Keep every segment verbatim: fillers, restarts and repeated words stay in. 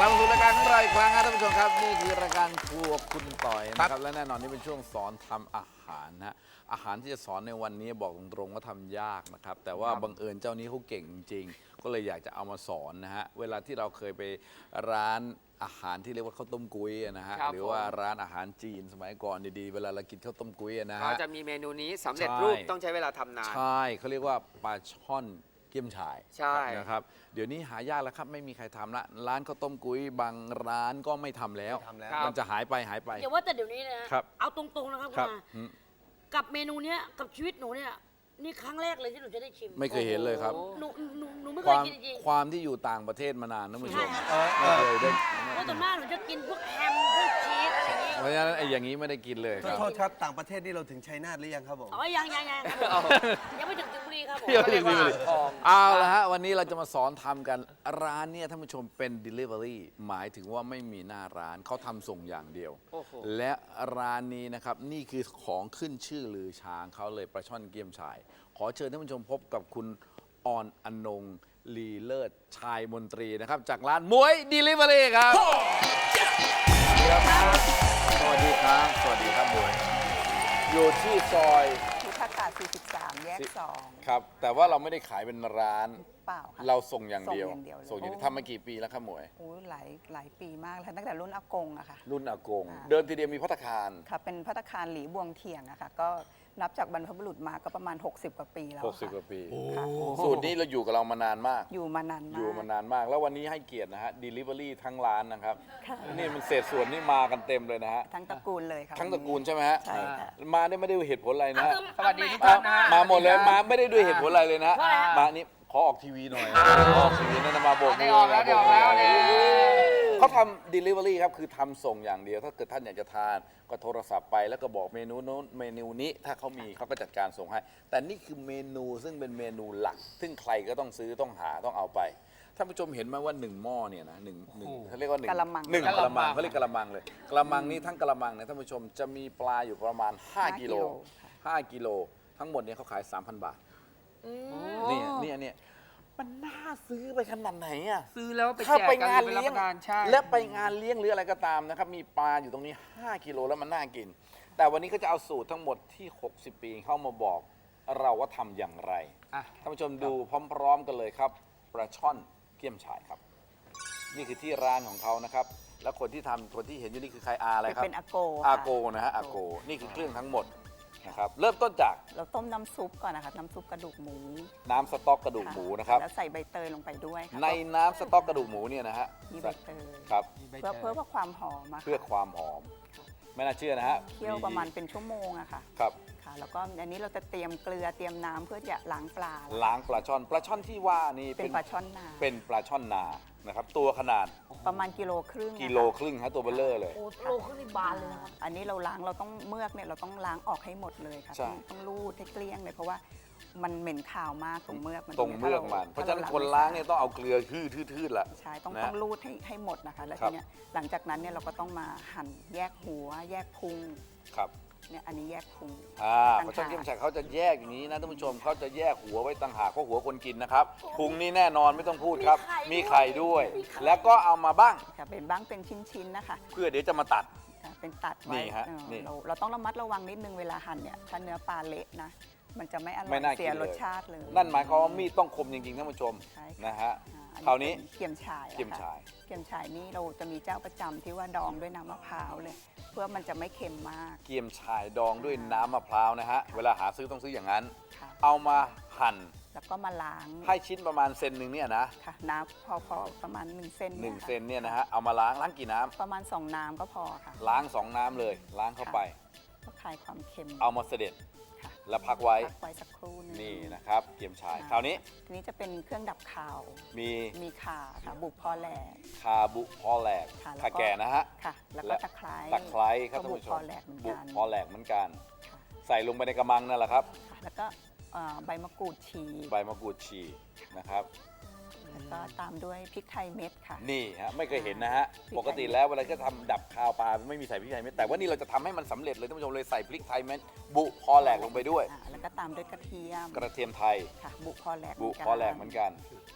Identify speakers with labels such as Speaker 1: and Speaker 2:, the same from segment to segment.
Speaker 1: ลับมาสู่รายการของเราอีกครั้งครับท่านผู้ชมครับนี่คือรายการครัวคุณต่อยนะครับและแน่นอนนี่เป็นช่วงสอนทำอาหารนะอาหารที่จะสอนในวันนี้บอกตรงๆว่าทำยากนะครับแต่ว่าบังเอิญเจ้านี้เขาเก่งจริงๆก็เลยอยากจะเอามาสอนนะฮะเวลาที่เราเคยไปร้านอาหารที่เรียกว่าข้าวต้มกุ้ยนะฮะหรือว่าร้านอาหารจีนสมัยก่อนดีๆเวลาเรากินข้าวต้มกุ้ยนะฮะ
Speaker 2: เขาจะมีเมนูนี้สำเร็จรูปต้องใช้เวลาทำนาน
Speaker 1: ใช่เขาเรียกว่าปลาช่อนเกี๊ยมฉ่าย
Speaker 2: ใช่
Speaker 1: นะครับเดี๋ยวนี้หายากแล้วครับไม่มีใครทำละร้านข้าวต้มกุ้ยบางร้านก็ไม่ทำแล้วมันจะหายไปหายไป
Speaker 3: อย่าว่าแต่เดี๋ยวนี้นะครับ เอาตรงๆนะครับคุณ
Speaker 1: ครับ
Speaker 3: อา
Speaker 1: อืม
Speaker 3: กับเมนูเนี้ยกับชีวิตหนูเนี่ยนี่ครั้งแรกเลยที่หนูจะได้ชิม
Speaker 1: ไม่เคยเห็นเลยครับ
Speaker 3: หนูหนูหนูไม่
Speaker 1: ค
Speaker 3: เคยว
Speaker 1: าม
Speaker 3: กินจริง
Speaker 1: ความที่อยู่ต่างประเทศมานานนะคุณผู้ชม
Speaker 3: ใช่
Speaker 1: ไม่เคยได้
Speaker 3: ๆเพราะส่วนมากหนูจะกินพวกแฮมพวกชีสอะไรอย่างงี้
Speaker 1: เพราะฉะนั้นไอ้อย่างนี้ไม่ได้กินเลยครับ
Speaker 4: โทษครับต่างประเทศนี่เราถึงชัยนาทหรือยังครับผม
Speaker 3: อ๋อยังยังยังครับผมยังไม่ถึงสิงห์บุรีครับผม
Speaker 1: เดี๋ยวเดี๋ยว
Speaker 2: เรียกว่า
Speaker 1: เดี๋ยว
Speaker 2: ทอง
Speaker 1: เอาละฮะวันนี้เราจะมาสอนทำกันร้านเนี่ยท่านผู้ชมเป็น Delivery หมายถึงว่าไม่มีหน้าร้านเขาทำส่งอย่างเดียว
Speaker 2: โอ้โห
Speaker 1: และร้านนี้นะครับนี่คือของขึ้นชื่อลือช้างเขาเลยปลาช่อนเกี๊ยมฉ่ายขอเชิญท่านผู้ชมพบกับคุณออนอนงลีเลิศชายมนตรีนะครับจากร้านมวย Delivery ครับสวัสดีครับสวัสดีครับมวยอยู่ที่ซอย
Speaker 5: พุทธากาศสี่สิบสาม แยกสอง
Speaker 1: ครับแต่ว่าเราไม่ได้ขายเป็นร้าน
Speaker 5: เปล่าค่ะ
Speaker 1: เราส่งอย่างเดียว
Speaker 5: ส่งอย่างเดียวเลย
Speaker 1: ส่งอย่างเดียวทำมากี่ปีแล้วครับหมวย
Speaker 5: โอ้ยหลายหลายปีมากแล้วค่ะตั้งแต่รุ่นอากงอะค่ะ
Speaker 1: รุ่นอากง
Speaker 5: อ่า
Speaker 1: เดิมทีเดียวมีพัตตาคาร
Speaker 5: ค่ะ เป็นพัตตาคารหลีบวงเทียงอะค่ะ ก็นับจากบรรพบุรุษมาก็ประมาณ หกสิบ กว่าปีแล้ว
Speaker 1: หกสิบ
Speaker 5: ค่ะ
Speaker 1: กว่าปี
Speaker 5: ค่ะ
Speaker 1: สูตรนี้เราอยู่กับเรามานานมาก
Speaker 5: อยู่มานานมาก
Speaker 1: อยู่มานานมาก แล้ววันนี้ให้เกียรตินะฮะ Delivery ทั้งร้านนะครับ
Speaker 5: ค่ะ
Speaker 1: นี่มันเศษส่วนนี่มากันเต็มเลยนะฮะ
Speaker 5: ทั้งตระกูลเลยค่ะ
Speaker 1: ทั้งตระกูลใช่ไหมฮะ
Speaker 5: ใช่ค่ะ
Speaker 1: มาได้ไม่ได้ด้วยเหตุผลอะไรนะฮะ
Speaker 2: สวัสดีทุกท่านนะฮะ
Speaker 1: มาหมดเลยมาไม่ได้ด้วยเหตุผลอะไรเลยนะฮะ
Speaker 3: ใช่ฮะ
Speaker 1: มานี่ขอออกทีวีหน่อยขอออกทีวีนั่นนะมาโบก
Speaker 2: ได้
Speaker 1: มื
Speaker 2: ออกแล้วได้ออกแล้วเนี่ย
Speaker 1: เขาทำ delivery ครับคือทำส่งอย่างเดียว ถ้าเกิดท่านอยากจะทานก็โทรศัพท์ไปแล้วก็บอกเมนูโน้นเมนูนี้ถ้าเขามีเขาก็จัดการส่งให้ แต่นี่คือเมนูซึ่งเป็นเมนูหลัก ซึ่งใครก็ต้องซื้อต้องหาต้องเอาไปท่านผู้ชมเห็นไหมว่าหนึ่งหม้อเนี่ยนะหนึ่งหนึ่งเขาเรียกว่าหนึ่ง
Speaker 5: กะละมัง
Speaker 1: หนึ่ง
Speaker 2: กะ
Speaker 1: กะ
Speaker 2: ละ
Speaker 1: ละ
Speaker 2: มั
Speaker 1: มั
Speaker 2: ง
Speaker 1: งเขาเรียกกะละมังเลยกะละมังนี้ทั้งกะละมังเนี่ยท่านผู้ชมจะมีปลาอยู่ประมาณห้ากิโลห้ากิโลทั้งหมดเนี่ยเขาขายสามพันบาทเนี่ยเนี่ยเนี่ยมันน่าซื้อไปขนาดไหนอ่ะ
Speaker 2: ซื้อแล้วไป
Speaker 1: ถ้า
Speaker 2: แจก
Speaker 1: ไป
Speaker 2: กัน
Speaker 1: งาน
Speaker 2: ไปรับ
Speaker 1: เลี้ย
Speaker 2: ป
Speaker 1: ง
Speaker 2: ระทานใช่
Speaker 1: และไปงานเลี้ยงหรืออะไรก็ตามนะครับมีปลาอยู่ตรงนี้ห้ากิโลแล้วมันน่ากิน แต่วันนี้เขาจะเอาสูตรทั้งหมดที่หกสิบปีเข้ามาบอกเราว่าทำอย่างไร
Speaker 2: อ่ะ
Speaker 1: ท่านผู้ชมดูพร้อมๆกันเลยครับปลาช่อนเกี๊ยมฉ่ายครับ นี่คือที่ร้านของเขานะครับแล้วคนที่ทำคนที่เห็นอยู่นี่คือใครอาอะไรครับ
Speaker 5: เป็นอาโก
Speaker 1: อา
Speaker 5: ค่ะ
Speaker 1: โกนะฮะอาโกนี่คือเครื่องทั้งหมดนะครับเริ่มต้นจาก
Speaker 5: เราต้มน้ำซุปก่อนนะคะ น้ำซุปกระดูกหมู
Speaker 1: น้ำสต๊อกกระดูกหมูนะครับ
Speaker 5: แล้วใส่ใบเตยลงไปด้วยค่ะ
Speaker 1: ในน้ำสต๊อกกระดูกหมูเนี่ยนะฮะ
Speaker 5: มีใบเตย
Speaker 1: ครับ
Speaker 5: เพื่อเพื่อความหอมอะค่ะ
Speaker 1: เพื่อความหอม ไม่น่าเชื่อนะฮะ
Speaker 5: เคี่ยวประมาณเป็นชั่วโมงอะค่ะ
Speaker 1: ครับ
Speaker 5: ค่ะ แล้วก็อันนี้เราจะเตรียมเกลือเตรียมน้ำเพื่อจะล้างปลา
Speaker 1: ล้างปลาช่อนปลาช่อนที่ว่านี่
Speaker 5: เป็นปลาช่อนนา
Speaker 1: เป็นปลาช่อนนานะครับตัวขนาด
Speaker 5: ประมาณกิโลครึ่ง
Speaker 1: กิโล
Speaker 5: นะคะ
Speaker 1: ครึ่งฮะตัวเบลเลอร์เลย
Speaker 3: โอ้โลขึ้นนี่บานเลยนะครับ
Speaker 5: อันนี้เราล้างเราต้องเมือกเนี่ยเราต้องล้างออกให้หมดเลยค่ะ
Speaker 1: ใช่
Speaker 5: ต้องต้องรูดให้เกลี้ยงเลยเพราะว่ามันเหม็นขาวมากตรงเมือกมัน
Speaker 1: ตรงเมือกมันเพราะฉะนั้นคนล้างเนี่ยต้องเอาเกลือทื่อๆๆละ
Speaker 5: ใช่ต้อง
Speaker 1: นะ
Speaker 5: ต้องรูดให้ให้หมดนะคะแล้ว
Speaker 1: ครั
Speaker 5: ที
Speaker 1: บ
Speaker 5: เนี้ยหลังจากนั้นเนี่ยเราก็ต้องมาหั่นแยกหัว แยกพุง
Speaker 1: ครับ
Speaker 5: เนี่ยอันนี้แยกพุง
Speaker 1: อ่า
Speaker 5: ต่างหาก
Speaker 1: ปลาช่อนเกี๊ยมฉ่ายเขาจะแยกอย่างนี้นะท่านผู้ชมเขาจะแยกหัวไว้ต่างหากเพราะหัวคนกินนะครับพุงนี่แน่นอนไม่ต้องพูดครับ มีไข่ด้วย แล้วก็เอามาบ้าง
Speaker 5: ค่ะเป็นบ้างเป็นชิ้นๆนะคะ
Speaker 1: เพื่อเดี๋ยวจะมาตัด
Speaker 5: ค่ะเป็นตัด
Speaker 1: นี่
Speaker 5: ไว้
Speaker 1: ฮะ
Speaker 5: เออ
Speaker 1: นี่
Speaker 5: เราเราต้องระมัดระวังนิดนึงเวลาหั่นเนี่ยถ้าเนื้อปลาเละนะมันจะไม่อร่
Speaker 1: ไม่
Speaker 5: อย
Speaker 1: น่ากิน
Speaker 5: เสีย
Speaker 1: เลย
Speaker 5: รสชาติเลย
Speaker 1: นั่นหมายความว่ามีดต้องคมจริงๆท่านผู้ชม
Speaker 5: ใช่ค่ะ
Speaker 1: นะฮะ
Speaker 5: อ่
Speaker 1: คราวนี้
Speaker 5: เป็นเกี๊ยมฉ่ายอะค่ะ
Speaker 1: เกี๊ยมฉ่าย
Speaker 5: เกี๊ยมฉ่ายนี่เราจะมีเจ้าประจำที่ว่าดองด้วยน้ำมะพร้าวเลย เพื่อมันจะไม่เค็มมาก
Speaker 1: เกี๊ยมฉ่ายดองด้วยน้ำมะพร้าวนะฮะเวลาหาซื้อต้องซื้ออย่างนั้น
Speaker 5: ค่ะ
Speaker 1: เอามาหั่น
Speaker 5: แล้วก็มาล้าง
Speaker 1: ให้ชิ้นประมาณเซนหนึ่งเนี่ยนะ
Speaker 5: ค่ะน้ำพอพอประมาณ1เซน
Speaker 1: หนึ่ง
Speaker 5: ยค่ะ
Speaker 1: เซนเนี่ยนะฮะเอามาล้างล้างกี่น้ำ
Speaker 5: ประมาณ 2 น้ำก็พอค่ะ
Speaker 1: ล้างสองน้ำเลย ล้างเข้าไป
Speaker 5: ก็คลายความเค็ม
Speaker 1: เอามาเสด็จ
Speaker 5: ค่ะ
Speaker 1: แล้วพักไว้
Speaker 5: พักไว้สักครู่หนึง
Speaker 1: นี่นะครับเกี๊ยมฉ่ายคราวนี้
Speaker 5: ทีนี้จะเป็นเครื่องดับคาว
Speaker 1: มี
Speaker 5: มีข่าค่ะบุกพอแหลก
Speaker 1: คาบุพอแหลก
Speaker 5: ค่ะแล้วก็
Speaker 1: คาแก่นะฮะ
Speaker 5: ค่ะ แล้วก็
Speaker 1: และ
Speaker 5: ตะไคร้
Speaker 1: ตะไคร้ครับ
Speaker 5: ก็
Speaker 1: ท่าน
Speaker 5: บุก
Speaker 1: ผู้ช
Speaker 5: พ
Speaker 1: ม
Speaker 5: อแหลกเหมือน
Speaker 1: บุ
Speaker 5: กัน
Speaker 1: พอแหลกเหมือนกัน
Speaker 5: ค่ะ
Speaker 1: ใส่ลงไปในกระมังนั่นแหละครับ
Speaker 5: ค่ะแล้วก็เอ่อใบมะกรูดฉีก
Speaker 1: ใบมะกรูดฉีกนะครับ
Speaker 5: แล้วก็ตามด้วยพริกไทยเม็ดค่ะ
Speaker 1: นี่ฮะไม่เคยเห็นนะฮะ
Speaker 5: พริกไทย
Speaker 1: ปกติแล้วเวลาจะทำดับคาวปลาไม่มีใส่พริกไทยเม็ดแต่ว่านี่เราจะทำให้มันสำเร็จเลยท่านผู้ชมเลยใส่พริกไทยเม็ดบุพอแหลกลงไปด้วย
Speaker 5: อ่าแล้วก็ตามด้วยกระเทียม
Speaker 1: กระเทียมไทย
Speaker 5: ค่ะบุพอแหลก
Speaker 1: บุ
Speaker 5: เนน
Speaker 1: พอแหลกเหมือนกัน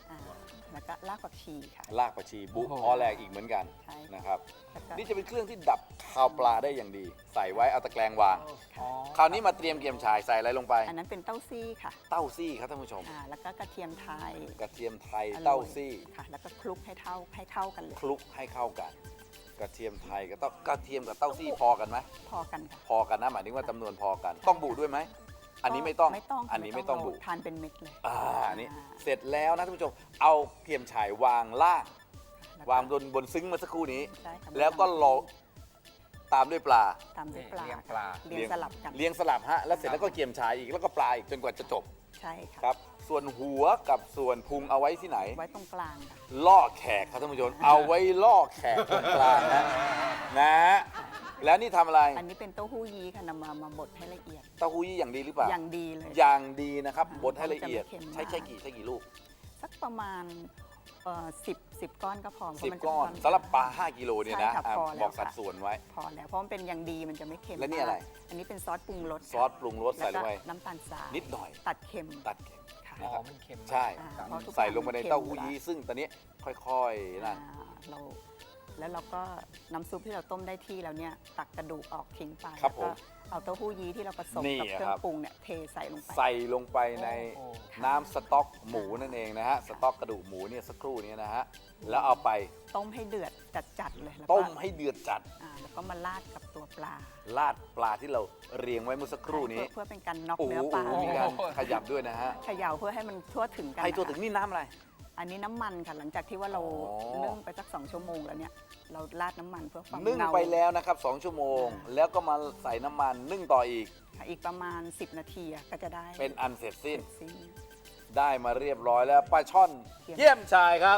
Speaker 5: อ่าแล้วก็รากผักชีค่ะ
Speaker 1: รากผักชีบุกออแรกอีกเหมือนกัน
Speaker 5: ใช่
Speaker 1: นะครับ
Speaker 5: แล้วก็
Speaker 1: นี่จะเป็นเครื่องที่ดับคาวปลาได้อย่างดี ใส่ไว้เอาตะแกรงวาง คราวนี้มาเตรียมเกี๊ยมฉ่ายใส่อะไรลงไป
Speaker 5: อันนั้นเป็นเต้าซี่ค่ะ
Speaker 1: เต้าซี่ครับท่านผู้ชม
Speaker 5: อ่าแล้วก็กระเทียมไทย
Speaker 1: กระเทียมไทย
Speaker 5: อร่อย
Speaker 1: เต้าซี่
Speaker 5: ค่ะ แล้วก็คลุกให้เท่าให้เท่ากันเลย
Speaker 1: คลุกให้เข้ากัน กระเทียมไทยกับเต้ากระเทียมกับเต้าซี่พอกันไหม
Speaker 5: พอกันค่ะ
Speaker 1: พอกันนะหมายถึงว่าจำนวนพอกัน ต้องบุด้วยไหมอันนี้ไม่ต้อง
Speaker 5: ไม่ต้อง
Speaker 1: อันนี้ไม่ต้องบุ
Speaker 5: ทานเป็นเม็ดเลย
Speaker 1: อ่าอันนี้เสร็จแล้วนะท่านผู้ชมเอาเกี๊ยมฉ่ายวางล่าง
Speaker 5: แล้วก็
Speaker 1: วางบนบนซึ้งเมื่อสักครู่นี้
Speaker 5: ใช่ค่ะ
Speaker 1: แล้วก็รอตามด้วยปลา
Speaker 5: ตามด้วยปลา
Speaker 2: เลี้ยงปลา
Speaker 5: เลี้ยงสลับกัน
Speaker 1: เลี้ยงสลับฮะแล้วเสร็จแล้วก็เกี๊ยมฉ่ายอีกแล้วก็ปลาอีกจนกว่าจะจบ
Speaker 5: ใช่ค่ะ
Speaker 1: ครับ ส่วนหัวกับส่วนพุงเอาไว้ที่ไหน
Speaker 5: ไว้ตรงกลางค่ะ
Speaker 1: ล่อแขกครับท่านผู้ชม เอาไว้ล่อแขกตรงกลางนะนะแล้วนี่ทำอะไร
Speaker 5: อันนี้เป็นเต้าหู้ยี้ค่ะนำมามาบดให้ละเอียด
Speaker 1: เต้าหู้ยี่อย่างดีหรือเปล่า
Speaker 5: อย่างดีเลย
Speaker 1: อย่างดีนะครับ
Speaker 5: อ่า
Speaker 1: บดให้ละเอียด
Speaker 5: มันจะไม่เค็ม
Speaker 1: ใช้
Speaker 5: มาก
Speaker 1: ใช้กี่ใช้กี่ลูก
Speaker 5: สักประมาณเอ่อสิบสิบก้อนก็พอเพ
Speaker 1: สิบ
Speaker 5: ราะมันจะ
Speaker 1: ก้อน
Speaker 5: ค่
Speaker 1: สำหรับปลาห้ากิโลเนี่ยนะ
Speaker 5: ใช่ค่ะ
Speaker 1: อ่ะ
Speaker 5: พอแล้ว
Speaker 1: บอกสัด
Speaker 5: ค่ะ
Speaker 1: ส่วนไว้
Speaker 5: พอแล้วเพราะมันเป็นอย่างดีมันจะไม่เค็ม
Speaker 1: และนี่
Speaker 5: มาก
Speaker 1: อะไร
Speaker 5: อันนี้เป็นซอสปรุงรส
Speaker 1: ซอสปรุงรสใส่ลงไป
Speaker 5: แล้วก็น้ำตาลทราย
Speaker 1: นิดหน่อย
Speaker 5: ตัดเค็ม
Speaker 1: ตัดเค็ม
Speaker 5: ค่ะ
Speaker 2: อ๋อมันเค็มมาก
Speaker 1: ใช่
Speaker 5: อ่าเพราะทุก
Speaker 1: ใส่ลงไปใน
Speaker 5: อย่างมันเค็ม
Speaker 1: เต้าหู้
Speaker 5: อยู่แล้ว
Speaker 1: ยี้ซึ่งตอนนี้ค่อยๆนั่น
Speaker 5: อ่าเราแล้วเราก็น้ำซุปที่เราต้มได้ที่แล้วเนี่ยตักกระดูกออกทิ้งไป
Speaker 1: ครับ
Speaker 5: แล้วก็
Speaker 1: ผม
Speaker 5: เอาเต้าหู้ยี้ที่เราผสม
Speaker 1: นี่
Speaker 5: กับเครื่อ
Speaker 1: ครั
Speaker 5: ง
Speaker 1: บ
Speaker 5: ปรุงเนี่ยเทใส่ลงไป
Speaker 1: ใส่ลงไปใน
Speaker 2: โอ้โห
Speaker 1: น้ำสต๊อกหมูนั่นเองนะฮะ สต๊อกกระดูกหมูเนี่ยสักครู่นี้นะฮะ แล้วเอาไป
Speaker 5: ต้มให้เดือดจัดๆเลยแล้วก็
Speaker 1: ต้มให้เดือดจัด
Speaker 5: อ่าแล้วก็มาราดกับตัวปลา
Speaker 1: ราดปลาที่เราเรียงไว้เมื่อสักครู่นี้
Speaker 5: เพื่อเพื่อเป็นการน็อก
Speaker 1: โอ้โห
Speaker 5: เนื้อปลา
Speaker 1: มีการขยับด้วยนะฮะ
Speaker 5: เขย่าเพื่อให้มันทั่วถึงกัน
Speaker 1: ให้ตัว
Speaker 5: นะคะ
Speaker 1: ถึงนี่น้ำอะไร
Speaker 5: อันนี้น้ำมันค่ะหลังจากที่ว่าเรา
Speaker 1: อ๋อ
Speaker 5: นึ่งไปสักสองชั่วโมงแล้วเนี่ยเราราดน้ำมันเพื่อความ
Speaker 1: นึ่ง
Speaker 5: เงา
Speaker 1: ไปแล้วนะครับสองชั่วโมง
Speaker 5: อ่า
Speaker 1: แล้วก็มาใส่น้ำมันนึ่งต่ออีก
Speaker 5: ค่ะอีกประมาณ สิบ นาทีอะก็จะได้
Speaker 1: เป็นอันเสร็จสิ้น
Speaker 5: เสร็จสิ้น
Speaker 1: ได้มาเรียบร้อยแล้วปลาช่อน
Speaker 5: เยี่ยม
Speaker 1: เยี่ยมชายครับ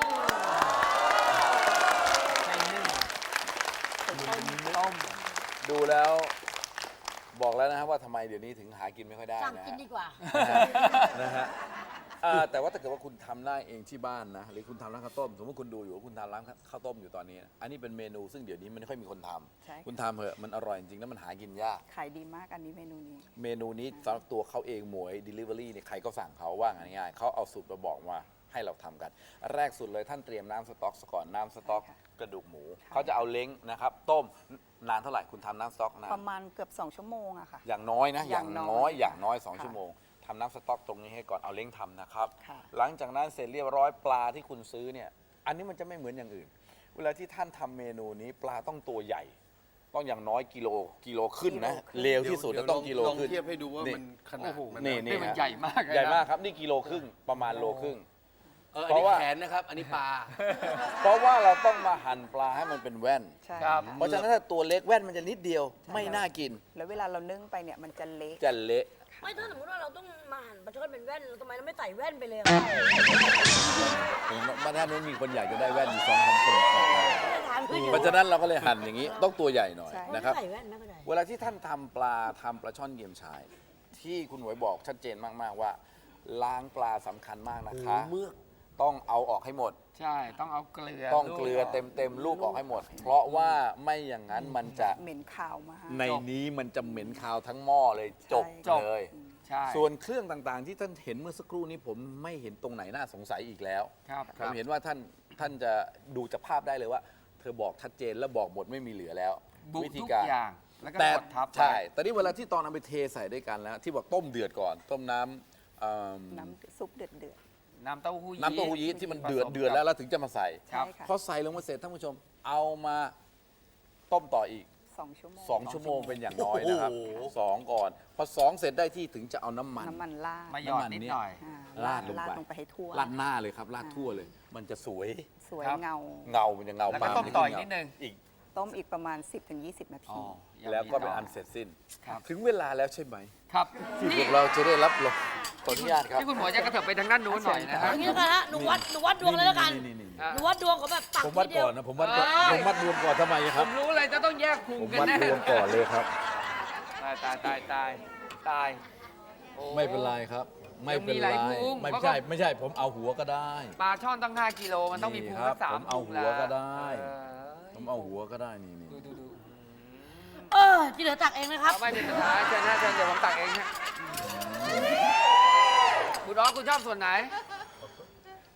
Speaker 2: ใช่นึ่ง
Speaker 5: ต้ม
Speaker 1: ดูแล้วบอกแล้วนะครับว่าทำไมเดี๋ยวนี้ถึงหากินไม่ค่อยได้
Speaker 3: สั่ง
Speaker 1: นะ
Speaker 3: กิน
Speaker 1: ฮะ
Speaker 3: ดีกว่า
Speaker 1: นะฮะอ่าแต่ว่าถ้าเกิดว่าคุณทำได้เองที่บ้านนะหรือคุณทำร้านข้าวต้มสมมติคุณดูอยู่ว่าคุณทำร้านข้าวต้มอยู่ตอนนี้ อันนี้เป็นเมนูซึ่งเดี๋ยวนี้มันไม่ค่อยมีคนทำ
Speaker 5: ใช่ค่ะ
Speaker 1: คุณทำเถอะมันอร่อยจริงๆแล้วมันหากินยาก
Speaker 5: ขายดีมากอันนี้เมนูนี้
Speaker 1: เมนูนี้สำหรับตัวเขาเองหมวย Delivery เนี่ยใครก็สั่งเขาว่าง่ายๆเขาเอาสูตรมาบอกว่าให้เราทำกัน แรกสุดเลยท่านเตรียมน้ำสต๊อกซะก่อนน้ำสต๊อก
Speaker 5: ใช่ค่ะ
Speaker 1: กระดูกหมู
Speaker 5: ค่ะ
Speaker 1: เขาจะเอาเล้งนะครับต้มนานเท่าไหร่คุณทำน้ำสต๊อกนาน
Speaker 5: ประมาณเกือบ สอง ชั่วโมงอะค่ะ
Speaker 1: อย่างน้อยนะ อย่างน้อยอย่างน้อยสอง
Speaker 5: ค่ะ
Speaker 1: ชั่วโมงทำน้ำสต๊อกตรงนี้ให้ก่อนเอาเล้งทำนะครับ
Speaker 5: ค่ะ
Speaker 1: หลังจากนั้นเสร็จเรียบร้อยปลาที่คุณซื้อเนี่ยอันนี้มันจะไม่เหมือนอย่างอื่น เวลาที่ท่านทำเมนูนี้ปลาต้องตัวใหญ่ ต้องอย่างน้อยกิโลกิโลขึ้นนะ
Speaker 5: กิโลขึ้น
Speaker 1: เร็วที่สุดแล้วต้องกิโล
Speaker 4: ลอง
Speaker 1: ขึ้น
Speaker 4: เทียบให้ดูว่า
Speaker 1: นี่
Speaker 4: มันขนาดมัน
Speaker 1: นี่
Speaker 2: นี่มันใหญ่มากเลยนะ
Speaker 1: ใหญ่มากครับนี่กิโลครึ่งประมาณโลครึ่ง
Speaker 4: เออ
Speaker 1: เพ
Speaker 4: อัน
Speaker 1: ราะ
Speaker 4: นี้
Speaker 1: ว่า
Speaker 4: แขนนะครับ อันนี้ปลา
Speaker 1: เพราะว่าเราต้องมาหั่นปลาให้มันเป็นแว่น
Speaker 5: ใช่
Speaker 2: ครับ
Speaker 1: เพราะฉะนั้นถ้าตัวเล็กแว่นมันจะนิดเดียว ไม่น่ากิน
Speaker 5: แล้วเวลาเรานึ่งไปเนี่ยมันจะเละ
Speaker 1: จะเละ
Speaker 3: ไม่ถ้าสมมติว่าเราต้องมาหั่นปลาช่อนเป็นแว่นเราทำไมเราไม่ใส่แว่นไปเลยอะ
Speaker 1: เห็นว่าด้านนู้นมีคนอยากจะได้แว่นอยู่สองสามคน
Speaker 3: ถามคือเดี๋ยว
Speaker 1: เพราะฉะนั้นเราก็เลยหั่นอย่างนี้ต้องตัวใหญ่หน่อย
Speaker 5: ใช่
Speaker 1: นะครับ
Speaker 3: ไม่ใส่แว่นไม่ก็ได้
Speaker 1: เวลาที่ท่านทำปลาทำปลาช่อนเยี่ยมชาย ที่คุณหวยบอกชัดเจนมาก ๆ ว่า ล้างปลาสำคัญมากนะคะ
Speaker 4: เมือก
Speaker 1: ต้องเอาออกให้หมด
Speaker 2: ใช่ ต้องเอาเกลือ
Speaker 1: ต้องเกลือเต็มเต็มๆลูกออกให้หมด เพราะว่าไม่อย่างนั้นมันจะ
Speaker 5: เหม็นขาวมาก
Speaker 1: ในนี้มันจะเหม็นคาวทั้งหม้อเลยจบ
Speaker 5: ใช่
Speaker 1: เลย
Speaker 2: ใช่
Speaker 1: ส่วนเครื่องต่างๆ ที่ท่านเห็นเมื่อสักครู่นี้ผมไม่เห็นตรงไหนน่าสงสัยอีกแล้ว
Speaker 2: ครับ
Speaker 1: ผมเห็นว่าท่านท่านจะดูจากภาพได้เลยว่า เธอบอกชัดเจนและบอกหมดไม่มีเหลือแล้ว
Speaker 2: บุ
Speaker 1: วิธี
Speaker 2: ทุก
Speaker 1: การ
Speaker 2: อย่าง แล้วก็
Speaker 1: แต่
Speaker 2: กดทับ
Speaker 1: ใช่ แต่นี่เวลาที่ตอนเอาไปเทใส่ด้วยกันแล้ว ที่บอกต้มเดือดก่อน ต้มน้ำเอิ่ม
Speaker 5: น้ำซุปเดือดเดือด
Speaker 2: น้ำเต้าหู้ยี้
Speaker 1: น้ำเต้าหู้ยี้ที่มันเดือด
Speaker 2: ผสมกับ
Speaker 1: เดือดแล้วเราถึงจะมาใส่
Speaker 5: ๆใช่ค่ะ
Speaker 1: พอใส่ลงมาเสร็จท่านผู้ชม เอามาต้มต่ออีก
Speaker 5: สองชั่วโมง
Speaker 1: สองชั่วโมงเป็นอย่างน้อยนะครับ
Speaker 4: โอ้โห
Speaker 1: สองก่อน พอสองเสร็จได้ที่ถึงจะเอาน้ำมัน
Speaker 5: น้ำมันราด
Speaker 2: มาหยอดนิดหน่อย
Speaker 5: อ่า
Speaker 1: ราดลงไป
Speaker 5: ลงไปให้ทั่ว
Speaker 1: ราดหน้าเลยครับราดทั่วเลย มันจะสวย
Speaker 5: สวย
Speaker 2: ครับ
Speaker 5: เงา
Speaker 1: เงา มันจะเงา
Speaker 2: แล้วก็
Speaker 1: ปา
Speaker 2: ต้มต่ออีกนิดนึง
Speaker 1: อีก
Speaker 5: ต้มอีกประมาณ สิบถึงยี่สิบ นาที
Speaker 1: แล้วก็เป็นอันเสร็จสิ้น
Speaker 2: ครับ
Speaker 1: ถึงเวลาแล้วใช่ไหม
Speaker 2: ครับ
Speaker 1: ที่พวกเราจะได้รับรองขออนุญาตครับ
Speaker 2: ที่คุณหมอจะกระเถิบไปทางด้านนู้นหน่อยนะ
Speaker 3: อ
Speaker 2: ฮะ
Speaker 3: ย่างนี้แล้วกันฮะหนูวัดหนูวัดดวงเลยแล้วกัน
Speaker 1: นี่นี่นี่
Speaker 2: อ่ะ
Speaker 3: หนูวัดดวงของแบบตัก
Speaker 1: ผมวัด
Speaker 3: ทีเดีย
Speaker 1: ก่
Speaker 3: ว
Speaker 1: อนนะ ผมวัดก่อน
Speaker 2: เอ้ย
Speaker 1: ผมวัดดวงก่อนทำไมค
Speaker 2: ผ
Speaker 1: รับ
Speaker 2: มรู้เลยจะต้องแยกพุง
Speaker 1: ผม
Speaker 2: กัน
Speaker 1: วัด
Speaker 2: แน่
Speaker 1: ดวงก่อนเลยครับ
Speaker 2: ตายตายตายตายตายโอ้
Speaker 1: ไม่เป็นไรครับ ไม่เป็น
Speaker 2: ยังมีห
Speaker 1: ไร
Speaker 2: ลายพุง
Speaker 1: ไม่
Speaker 2: เพราะ
Speaker 1: ใช่
Speaker 2: ก็
Speaker 1: ไม่ใช่ ผมเอาหัวก็ได้
Speaker 2: ปลาช่อนตั้งห้ากิโลมันต้องมีพุง
Speaker 1: นี่ครั
Speaker 2: สั
Speaker 1: บ
Speaker 2: กสาม
Speaker 1: ผมเอา
Speaker 2: พุง
Speaker 1: หัวก็ได้
Speaker 2: เออ
Speaker 1: ผมเอาหัวก็ได้นี่นี่
Speaker 2: ดูดูดู
Speaker 3: เออที่เหลือตักเองนะครับ
Speaker 2: เอาไม่เป็นสุดท้ายเชิญนะเชิญเดี๋ยวผมตักเองฮะคุณอ๋อคุณชอบส่วนไหน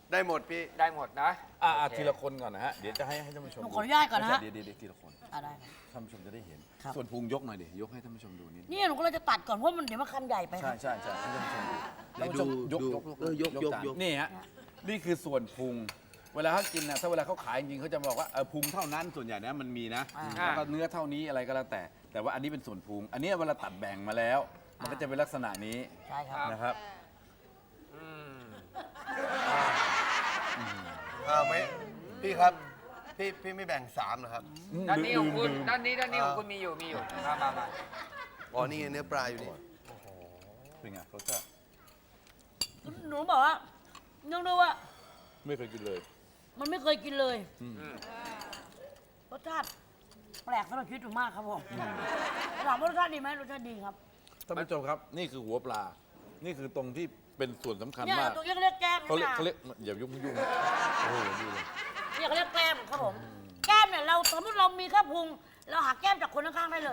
Speaker 6: ได้หมดพี่
Speaker 2: ได้หมดนะ
Speaker 1: อ่า
Speaker 2: โอเค
Speaker 1: ทีละคนก่อนนะฮะ เดี๋ยวจะให้ให้ท่านผู้ชม
Speaker 3: หนูขออนุญาตก่อนนะฮะ
Speaker 1: เดี๋ยวเดี๋ยวเดี๋ยวทีละคน
Speaker 3: อ่ะได้ครับ
Speaker 1: ท่านผู้ชมจะได้เห็น
Speaker 3: ครับ
Speaker 1: ส่วนพุงยกหน่อยดิ ยกให้ท่านผู้ชมดูนิด
Speaker 3: นี่หนูก็เลยจะตัดก่อนเพราะมันเดี๋ยวมันคำใหญ่ไปค
Speaker 1: ใช่
Speaker 3: รับ
Speaker 1: ใช่ใช่ให้ท่านผู้ชมดู
Speaker 6: เดี๋
Speaker 1: ท่าน
Speaker 6: ยว
Speaker 1: ผู้ชม
Speaker 6: ดู
Speaker 1: ยก
Speaker 6: ดู
Speaker 1: ยก
Speaker 6: เออยกยก
Speaker 1: จาน
Speaker 6: ยก
Speaker 1: นี่ฮะ นี่คือส่วนพุง เวลาเขากินนะถ้าเวลาเขาขายจริงๆเขาจะบอกว่าเออพุงเท่านั้นส่วนใหญ่นะมันมีนะ
Speaker 3: อ่า
Speaker 1: แล้วก็เนื้อเท่านี้อะไรก็แล้วแต่ แต่ว่าอันนี้เป็นส่วนพุง อันนี้เวลาตัดแบ่งมาแล้ว มันก็จะเป็นลักษณะนี้
Speaker 3: ใช่ครับ
Speaker 1: นะครับ
Speaker 2: อืม
Speaker 6: อ่าไหมพี่ครับ พี่พี่ไม่แบ่งสามเหรอครับ
Speaker 2: ด้านนี้ของคุณด้านนี้ด้านนี้ของคุณมีอยู่มีอยู่มามามา
Speaker 6: อ๋อ นี่ไงเนื้อปลาอยู่นี่
Speaker 1: เป็นไงรสชาติ
Speaker 3: หนูบอกว่าเนื่องด้วยว่า
Speaker 1: ไม่เคยกินเลย
Speaker 3: มันไม่เคยกินเลยรสชาติแปลกสำหรับชีวิตหนูมากครับผมถามว่ารสชาติดีไหมรสชาติดีครับ
Speaker 1: ท่านผู้ชมครับ นี่คือหัวปลา นี่คือตรงที่เป็นส่วนสำคัญ
Speaker 3: เนี่ย
Speaker 1: มาก
Speaker 3: ตัวนี้เขาเรียกแก้ม
Speaker 1: เขาเรียก
Speaker 3: นะ
Speaker 1: เขาเรียกอย่ายุ่งยุ่งโอ้โหดูเลย
Speaker 3: เนี่ยเขาเรียกแก้มครับผม แก้มเนี่ยเราสมมติเรามีแค่พุง เราหักแก้มจากคนข้างๆได้เลย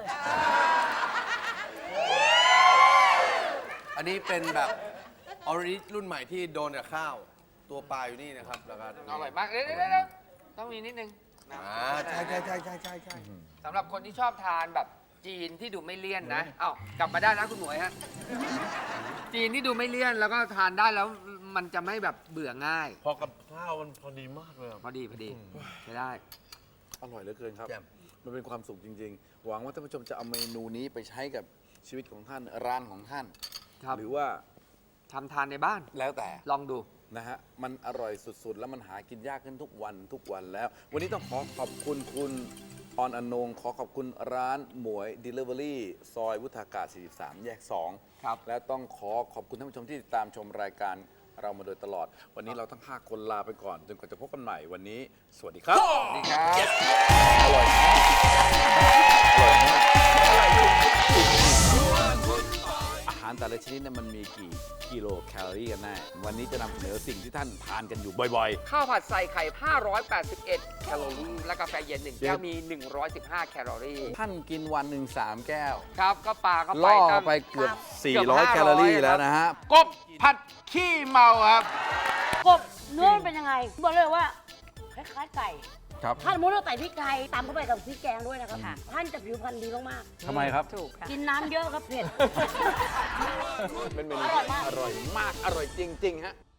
Speaker 6: อันนี้เป็นแบบออริจิรุ่นใหม่ที่โดนกับข้าว ตัวปลาอยู่นี่นะครับ แล้วก็
Speaker 2: อร่อยมากเดี๋ยวเดี๋ยวเดี๋ยวต้องมีนิดนึงนะ
Speaker 6: อ่าใช่ใช่ใช่ใช่ใช่ใช่
Speaker 2: สำหรับคนที่ชอบทานแบบจีนที่ดูไม่เลี่ยนนะเอ้ากลับมาได้นะคุณหมวยฮะจีนที่ดูไม่เลี่ยนแล้วก็ทานได้แล้วมันจะไม่แบบเบื่อง่าย
Speaker 6: พอกับข้าวมันพอดีมากเลยอะ
Speaker 2: พอดีพอดีใช้ได้
Speaker 1: อร่อยเหลือเกินครับ
Speaker 6: แจ่ม
Speaker 1: มันเป็นความสุขจริง ๆ หวังว่าท่านผู้ชมจะเอาเมนูนี้ไปใช้กับชีวิตของท่าน ร้านของท่าน
Speaker 2: ครับ
Speaker 1: หรือว่า
Speaker 2: ทำทานในบ้าน
Speaker 1: แล้วแต่
Speaker 2: ลองดู
Speaker 1: นะฮะ มันอร่อยสุดๆ แล้วมันหากินยากขึ้นทุกวันทุกวันแล้ว วันนี้ต้องขอขอบคุณคุณออนอนงขอขอบคุณร้านหมวย Delivery ซอยวุฒากาศ สี่สิบสาม แยก สอง
Speaker 2: ครับ
Speaker 1: และต้องขอขอบคุณท่านผู้ชมที่ติดตามชมรายการเรามาโดยตลอด วันนี้เราทั้งห้าคนลาไปก่อน จนกว่าจะพบกันใหม่วันนี้ สวัสดีครับ
Speaker 2: สวัสดีครับ
Speaker 1: อร่อยมากอร่อยมากอาหารแต่ละชนิดเนี่ยมันมีกี่กิโลแคลอรี่กันแน่ วันนี้จะนำเสนอสิ่งที่ท่านทานกันอยู่บ่อย
Speaker 2: ข้าวผัดใส่ไข่ ห้าร้อยแปดสิบเอ็ด แคลอรี่ และกาแฟเย็นหนึ่งแก้วมี หนึ่งร้อยสิบห้า แคลอรี่
Speaker 1: ๆ ท่านกินวันหนึ่งสามแก้ว
Speaker 2: ครับ ก็ปลาเข้าไป
Speaker 1: ล่อ
Speaker 2: ตั้ง
Speaker 1: ไปเกือบ
Speaker 2: เกือบ
Speaker 1: สี่ร้อย
Speaker 2: ห้าร้อย
Speaker 1: แคลอรี่แล้วนะฮะ
Speaker 2: กบผัดขี้เมาครับ
Speaker 3: กบเนื้อมันเป็นยังไง บอกเลยว่าคล้ายๆไก่
Speaker 1: ครับ
Speaker 3: ถ้าสมมติเราใส่พริกไทยตำเข้าไปกับพริกแกงด้วยนะครับท่านจะผิวพรรณดีมาก
Speaker 1: ทำไมครับ
Speaker 5: ถูกค่ะ
Speaker 3: ๆ กินน้ำเยอะครับเผ็ด
Speaker 1: เป็นเมนูที่อร่อยมาก อร่อยจริง ๆ ฮะ